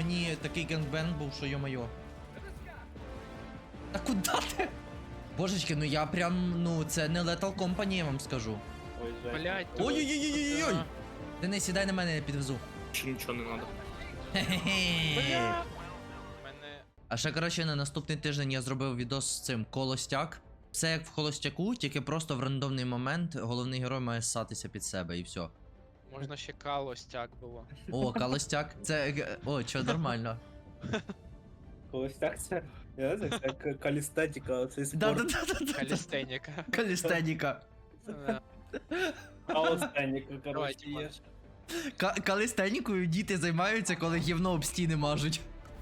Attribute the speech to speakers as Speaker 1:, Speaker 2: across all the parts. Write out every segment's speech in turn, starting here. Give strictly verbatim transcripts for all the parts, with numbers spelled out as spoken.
Speaker 1: мені такий генгбенг був, що йо-моє. Та куди ти? Божечки, ну я прям, ну це не Lethal Company, я вам скажу.
Speaker 2: Ой, Жень.
Speaker 3: Блять,
Speaker 1: Ой-ой-ой-ой-ой! Денис, сідай на мене, я підвезу.
Speaker 4: Ще нічого не треба.
Speaker 1: Хе-хе.
Speaker 3: Мене.
Speaker 1: А ще, коротше, на наступний тиждень я зробив відос з цим Колостяк. Все як в Холостяку, тільки просто в рандомний момент головний герой має ссатися під себе і все.
Speaker 3: Можна ще калостяк було.
Speaker 1: О, Колостяк. Це. е, О, чо, нормально.
Speaker 2: Колись так це. Я не знаю, це як калістетика, цей спорт.
Speaker 1: Да-да-да-да.
Speaker 3: Калістеніка.
Speaker 1: Калістеніка.
Speaker 3: Да.
Speaker 2: Калістеніка, коротше,
Speaker 3: Давайте,
Speaker 2: є.
Speaker 1: Ка- Калістенікою діти займаються, коли гівно об стіни мажуть.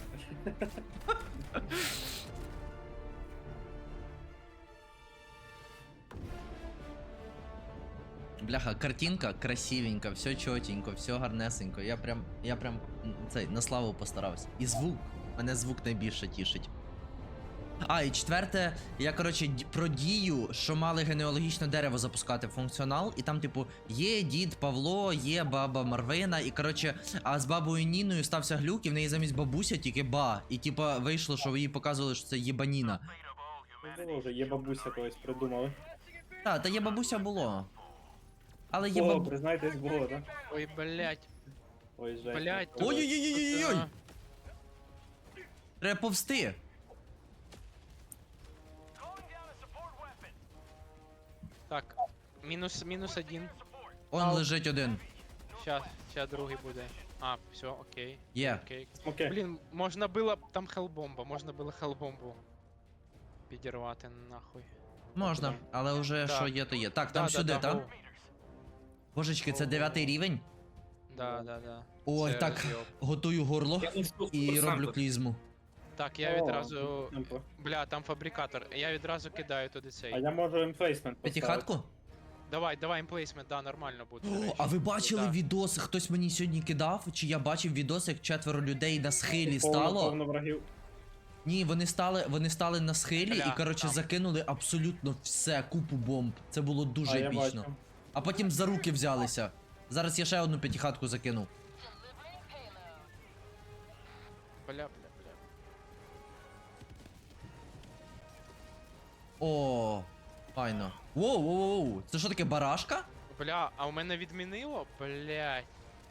Speaker 1: Бляха, картинка красивенька, все чотенько, все гарнесенько. Я прям, я прям м, цей, на славу постарався. І звук. Мене звук найбільше тішить. А, і четверте, я, коротше, д- про дію, що мали генеалогічне дерево запускати в функціонал, і там, типу, є дід Павло, є баба Марвина, і, коротше, а з бабою Ніною стався глюк, і в неї замість бабуся тільки ба. І, типа, вийшло, що їй показували, що це єбаніна.
Speaker 2: Ну, було вже, є бабуся колись придумали.
Speaker 1: Та, та є бабуся було. Але є
Speaker 2: О,
Speaker 1: бабу...
Speaker 2: признайтесь, було, так?
Speaker 3: Ой, блять.
Speaker 2: Ой, Жень.
Speaker 3: Блядь.
Speaker 1: Ой-ой-ой-ой-ой! Треба повсти!
Speaker 3: Так. Мінус, мінус один.
Speaker 1: Он
Speaker 3: Ау.
Speaker 1: лежить один.
Speaker 3: Щас, щас другий буде. А, все, окей.
Speaker 1: Є.
Speaker 3: Окей.
Speaker 2: Окей.
Speaker 3: Блін, можна було. Там хелбомба, можна було хелбомбу підірвати нахуй.
Speaker 1: Можна, але вже
Speaker 3: Так.
Speaker 1: що є, то є. Так, там
Speaker 3: Да,
Speaker 1: сюди,
Speaker 3: да, да,
Speaker 1: так?
Speaker 3: гоу.
Speaker 1: Божечки, це дев'ятий рівень.
Speaker 3: Да, да, да.
Speaker 1: Ой,
Speaker 3: Це
Speaker 1: так,
Speaker 3: розйоб.
Speaker 1: готую горло
Speaker 4: Я ну,
Speaker 1: і роблю клізму.
Speaker 3: Так, я
Speaker 2: О,
Speaker 3: відразу.
Speaker 2: темпо.
Speaker 3: Бля, там фабрикатор. Я відразу кидаю туди
Speaker 2: А
Speaker 3: цей.
Speaker 2: я можу емплейсмент поставити.
Speaker 1: П'ятихатку?
Speaker 3: Давай, давай імплейсмент, да, нормально буде. до
Speaker 1: О,
Speaker 3: речі.
Speaker 1: а ви бачили
Speaker 3: Да.
Speaker 1: відос? Хтось мені сьогодні кидав? Чи я бачив відос, як четверо людей на схилі
Speaker 2: Повно-
Speaker 1: стало?
Speaker 2: Повно врагів.
Speaker 1: Ні, вони стали, вони стали на схилі
Speaker 3: Бля,
Speaker 1: і, коротше,
Speaker 3: там.
Speaker 1: закинули абсолютно все, купу бомб. Це було дуже
Speaker 2: А, я
Speaker 1: епічно.
Speaker 2: бачу.
Speaker 1: А потім за руки взялися. Зараз я ще одну п'ятихатку закину.
Speaker 3: Бля, бля, бля.
Speaker 1: О, файно. Воу, воу, воу. Це що таке, барашка?
Speaker 3: Бля, а у мене відмінило? Блять.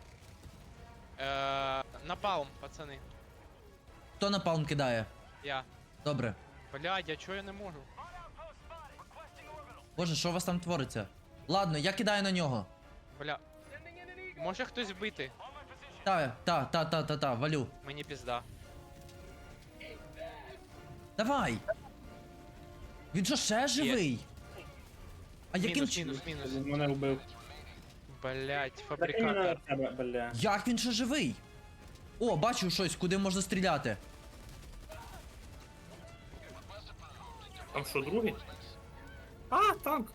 Speaker 3: Е, напалм, пацани.
Speaker 1: Хто напалм кидає?
Speaker 3: Я.
Speaker 1: Добре.
Speaker 3: Блядь, я чого я не можу?
Speaker 1: Боже, що у вас там твориться? Ладно, я кидаю на нього.
Speaker 3: Бля. Може хтось вбити?
Speaker 1: Та, та, та, та, та, та, валю.
Speaker 3: Мені пізда.
Speaker 1: Давай. Він що, ще живий? А яким
Speaker 3: Мінус,
Speaker 1: чи...
Speaker 3: мінус, мінус.
Speaker 2: Він мене вбив.
Speaker 3: Блять,
Speaker 2: Так іменно на
Speaker 3: фабрикатор.
Speaker 2: тебе, бля.
Speaker 1: Як він ще живий? О, бачу щось, куди можна стріляти.
Speaker 4: Там що, другий? А, танк.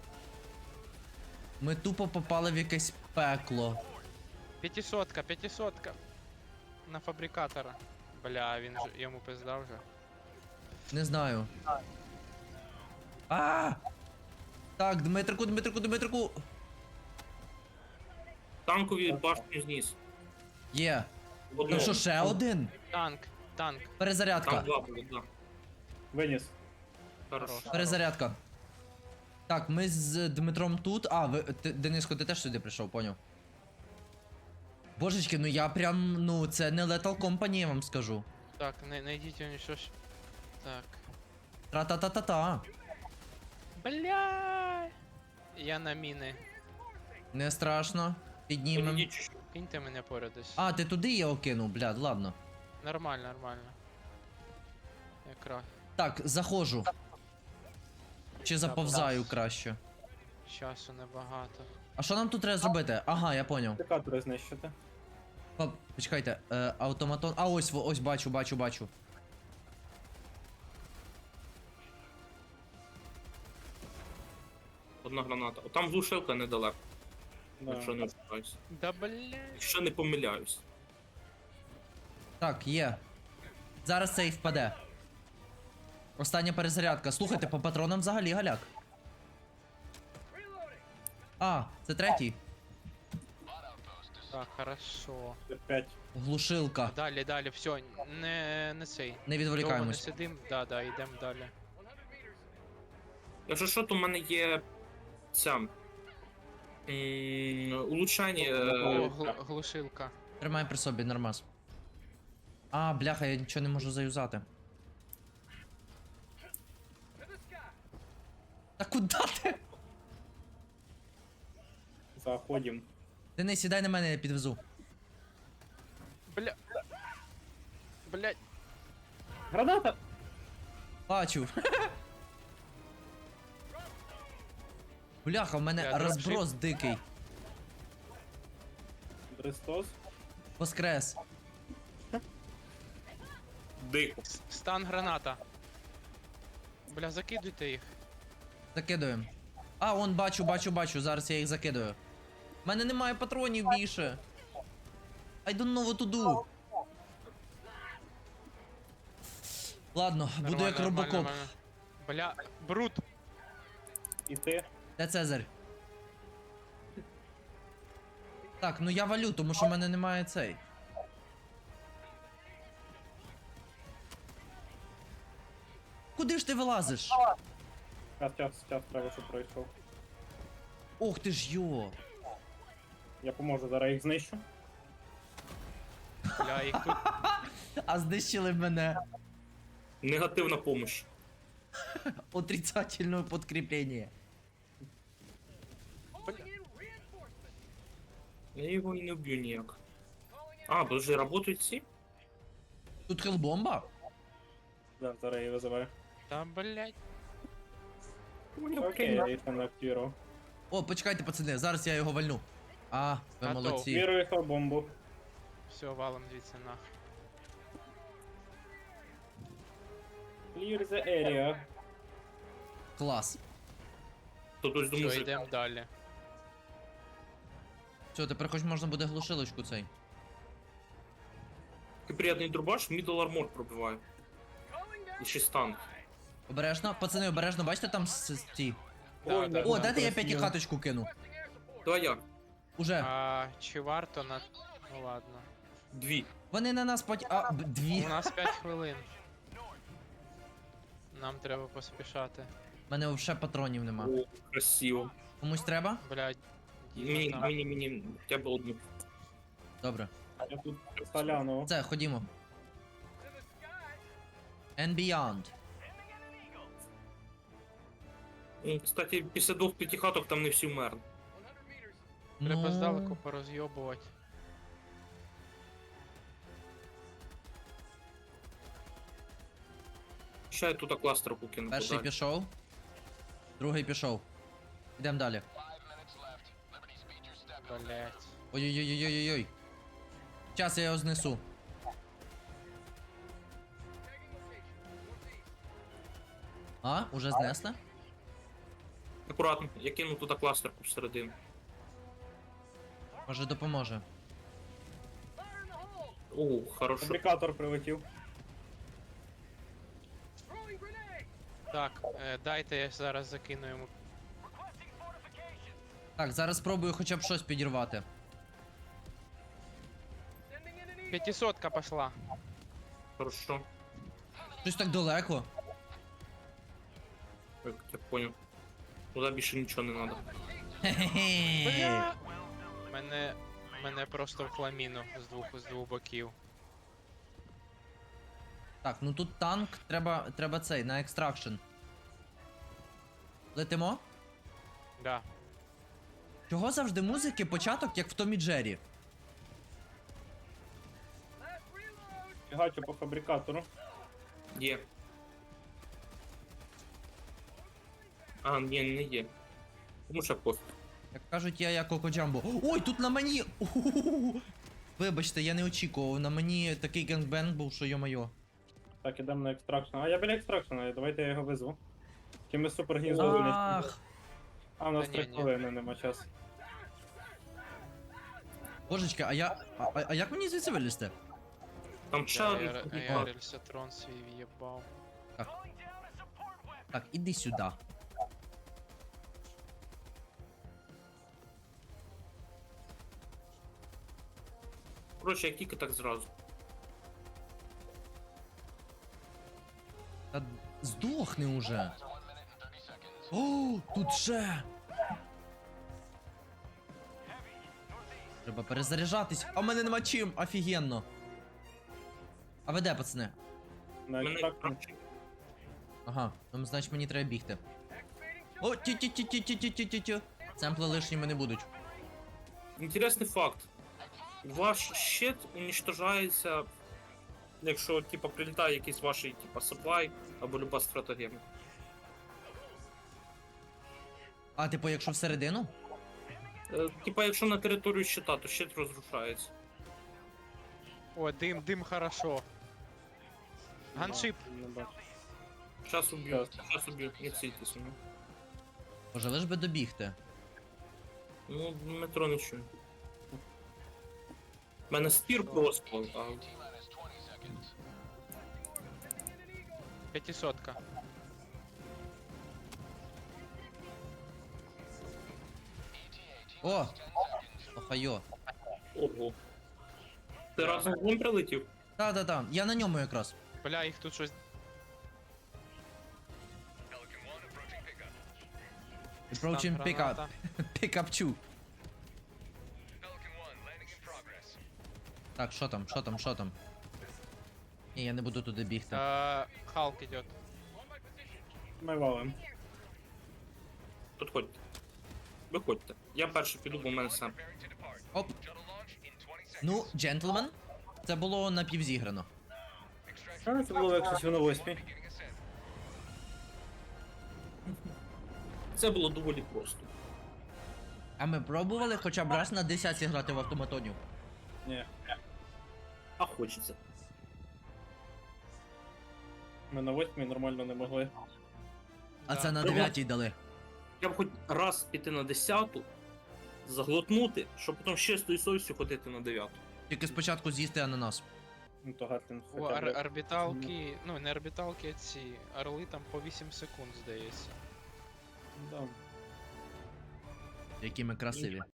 Speaker 1: Ми тупо попали в якесь пекло.
Speaker 3: П'ятисотка, п'ятисотка. На фабрикатора. Бля, він ж йому пизда вже.
Speaker 1: Не знаю. А! Так, Дмитрику, Дмитрику, Дмитрику.
Speaker 4: Танкові башню зніс.
Speaker 1: Є.
Speaker 4: Одного.
Speaker 1: Там що, ще один?
Speaker 3: Танк, танк.
Speaker 4: Там
Speaker 1: Перезарядка.
Speaker 4: два були, да.
Speaker 2: Виніс.
Speaker 4: Хорошо.
Speaker 3: Хорош.
Speaker 1: Перезарядка. Так, ми з Дмитром тут. А, ви, ти, Дениско, ти теж сюди прийшов, поняв? Божечки, ну я прям, ну, це не Lethal Company, я вам скажу.
Speaker 3: Так, не, найдіть його що ж. Так.
Speaker 1: Тра-та-та-та-та.
Speaker 3: Бля. Я на міни.
Speaker 1: Не страшно. Піднімем.
Speaker 4: Ні, чи що?
Speaker 3: Киньте мене поряд десь.
Speaker 1: А, ти туди його кинув, блядь, ладно.
Speaker 3: Нормально, нормально. Якраз.
Speaker 1: Так, заходжу. Чи заповзаю краще.
Speaker 3: Часу небагато.
Speaker 1: А що нам тут треба зробити? Ага, я поняв.
Speaker 2: Декатори знищити.
Speaker 1: Па- Почекайте, е, автоматон. А ось, во- ось бачу, бачу, бачу.
Speaker 4: Одна граната. О, там глушилка недалеко,
Speaker 2: Да.
Speaker 4: якщо не помиляюсь.
Speaker 3: Да блядь.
Speaker 4: Якщо не помиляюсь.
Speaker 1: Так, є. Зараз цей впаде. Остання перезарядка. Слухайте, по патронам взагалі галяк. А, це третій.
Speaker 3: Так, хорошо.
Speaker 2: п'ять.
Speaker 1: Глушилка.
Speaker 3: Далі, далі, все, не, не цей.
Speaker 1: Не
Speaker 3: Довго не
Speaker 1: відволікаємось.
Speaker 3: сидим, да, да, йдемо далі.
Speaker 4: Якщо що, то в мене є ця. м, Улучшання.
Speaker 3: О,
Speaker 4: е,
Speaker 3: гл- глушилка.
Speaker 1: Тримай при собі, нормас. А, бляха, я нічого не можу заюзати. Та куди ти?
Speaker 2: Заходим.
Speaker 1: Денис, сідай на мене, я підвезу.
Speaker 3: Бля. Блять.
Speaker 2: Граната!
Speaker 1: Бачу. Бляха, в мене
Speaker 3: Я
Speaker 1: розброс дикий.
Speaker 2: Христос.
Speaker 1: Воскрес.
Speaker 4: Дико.
Speaker 3: С- Стан граната. Бля, закидуйте їх.
Speaker 1: Закидуємо. А, он бачу, бачу, бачу. Зараз я їх закидую. У мене немає патронів більше. I don't know what to do. Ладно, буду
Speaker 3: Нормально,
Speaker 1: як
Speaker 3: нормально,
Speaker 1: робокоп.
Speaker 3: нормально. Бля, брут.
Speaker 2: І ти.
Speaker 1: Де Цезарь? Так, ну я валю, тому що в мене немає цей. Куди ж ти вилазиш?
Speaker 2: Час, час, час треба, щоб пройшов.
Speaker 1: Ох ти ж йо.
Speaker 2: Я поможу, зараз їх знищу.
Speaker 3: Бля, їх тут.
Speaker 1: А знищили мене.
Speaker 4: Негативна помощь.
Speaker 1: Отрицательне подкріплення.
Speaker 4: Я його і не вб'ю ніяк. А, подожди, работають ці?
Speaker 1: Тут хелбомба?
Speaker 2: Да, зараз я її визиваю.
Speaker 3: Та блять.
Speaker 2: Окей, я їх не активував.
Speaker 1: О, почекайте, пацани, зараз я його вальну. А, ви
Speaker 3: Готов.
Speaker 1: молодці.
Speaker 2: Активую їх бомбу.
Speaker 3: Все, валом звідси нах.
Speaker 2: Clear the area.
Speaker 1: Клас.
Speaker 4: То ось до
Speaker 3: Все,
Speaker 4: мужика.
Speaker 3: йдемо далі.
Speaker 1: Все, тепер хоч можна буде глушилочку цей.
Speaker 4: Такий приємний дробаш, мідл армор пробиває. І ще стан.
Speaker 1: Обережно, пацани, обережно, бачите там с- с- ті.
Speaker 3: Да,
Speaker 2: Ой,
Speaker 3: да,
Speaker 1: О,
Speaker 3: да.
Speaker 1: дайте я
Speaker 2: красиво.
Speaker 1: п'ятихаточку кину.
Speaker 4: Давай я.
Speaker 1: Уже.
Speaker 3: А, чи варто на. Ну ладно.
Speaker 4: Дві.
Speaker 1: Вони на нас пот... А, б- дві.
Speaker 3: У нас п'ять хвилин. Нам треба поспішати.
Speaker 1: У мене взагалі патронів нема.
Speaker 4: О, красиво.
Speaker 1: Комусь треба?
Speaker 3: Блядь.
Speaker 4: Мені,
Speaker 3: Діма там.
Speaker 4: мені, мені, хоча б одну.
Speaker 1: Добре.
Speaker 2: Я тут соляну.
Speaker 1: Це, ходімо. And beyond.
Speaker 4: М, Кстати, після двох п'ятихаток там не всі вмерли.
Speaker 3: Треба
Speaker 1: Ну,
Speaker 3: здалеку порозйобувати.
Speaker 4: Ще я тут кластер покину.
Speaker 1: Перший
Speaker 4: подалі.
Speaker 1: пішов. Другий пішов. Ідемо далі.
Speaker 3: Блять.
Speaker 1: Ой-ой-ой-ой-ой-ой. Зараз я його знесу. А, уже знесли?
Speaker 4: Акуратно, я кину туди кластерку всередину.
Speaker 1: Може допоможе.
Speaker 4: О, хорошо.
Speaker 2: Фабрикатор прилетів.
Speaker 3: Так, е, дайте я зараз закину йому.
Speaker 1: Так, зараз спробую хоча б щось підірвати.
Speaker 3: П'ятисотка пошла.
Speaker 4: Хорошо.
Speaker 1: Щось так далеко.
Speaker 4: Так, я понял. Туди більше нічого не треба.
Speaker 1: Хе-хе-хе.
Speaker 3: Бля. Мене. Мене просто в хламіну з двох з двох боків.
Speaker 1: Так, ну тут танк, треба, треба цей, на екстракшн. Летимо?
Speaker 3: Да.
Speaker 1: Чого завжди музики початок, як в Томі Джері?
Speaker 2: Фігачу по фабрикатору.
Speaker 4: Є. А, ні, не є. Тому що пофіг.
Speaker 1: Як кажуть, я як Коко Джамбо. Ой, тут на мені! Уху-ху-ху-ху. Вибачте, я не очікував. На мені такий генгбенг був, що йо-моє.
Speaker 2: Так, ідемо на екстракшн. А я біля екстракшена, давайте я його визву. Чи ми супер гніздо знищимо?
Speaker 1: Ах,
Speaker 2: А, у нас
Speaker 3: Та
Speaker 2: три
Speaker 3: ні, ні.
Speaker 2: хвилини, нема часу.
Speaker 1: божечки, а я. А, а- а як мені звідси вилізти?
Speaker 4: Там ще
Speaker 3: Я,
Speaker 4: один
Speaker 3: я, я
Speaker 4: фабрикатор.
Speaker 3: рельсотрон свій в'єбав.
Speaker 1: Так, іди сюди.
Speaker 4: Коротше, як тільки так зразу.
Speaker 1: Та здохни уже. О, тут ще. Треба перезаряджатись. А в мене нема чим, офігенно. А ви де, пацани?
Speaker 2: На
Speaker 4: Мене
Speaker 2: екстракшн.
Speaker 1: Ага, ну значить мені треба бігти. О, ті ті ті ті ті ті ті ті ті Семпли лишніми не будуть.
Speaker 4: Інтересний факт. Ваш щит уничтожається, якщо типа прилітає якийсь ваш типа supply або люба стратегема.
Speaker 1: А, типу, якщо всередину?
Speaker 4: Е, Типа, якщо на територію щита, то щит розрушається.
Speaker 3: О, дим, дим хорошо. Ганшип.
Speaker 2: Не бачу.
Speaker 4: Щас уб'ю, щас уб'ю, не ційтесь. Ну,
Speaker 1: Боже, лиш би добігти.
Speaker 4: ну метро не чую. У мене спір просто, а
Speaker 3: П'ятисотка.
Speaker 1: О! Охайо.
Speaker 4: ого. Ти разом з ним прилетів?
Speaker 1: Та-та-та, я на ньому якраз.
Speaker 3: Бля, їх тут щось.
Speaker 1: Approaching
Speaker 3: Стан
Speaker 1: pickup.
Speaker 3: граната.
Speaker 1: Pickup two. Так, що там, що там, що там? Ні, я не буду туди бігти.
Speaker 3: Е, Халк идет.
Speaker 2: Ми валим.
Speaker 4: Підходьте. Виходьте. Я перший піду, бо в мене сам.
Speaker 1: Оп. Ну, джентльмен, це було напівзіграно.
Speaker 2: А, це було як щось на восьмій.
Speaker 4: Це було доволі просто.
Speaker 1: А ми пробували хоча б раз на десятці грати в автоматонів.
Speaker 2: Ні.
Speaker 4: А хочеться.
Speaker 2: Ми на восьмій нормально не могли.
Speaker 1: А
Speaker 3: Да.
Speaker 1: це на
Speaker 4: Ого.
Speaker 1: дев'ятій дали.
Speaker 4: Я б хоч раз піти на десяту, заглотнути, щоб потім з чистою совістю ходити на дев'яту.
Speaker 1: Тільки спочатку з'їсти ананас.
Speaker 2: Ну то Гатлін
Speaker 3: О,
Speaker 2: хоча
Speaker 3: ар-
Speaker 2: б.
Speaker 3: орбіталки, ну не орбіталки, а ці орли там по вісім секунд, здається.
Speaker 2: Да.
Speaker 1: Які ми красиві.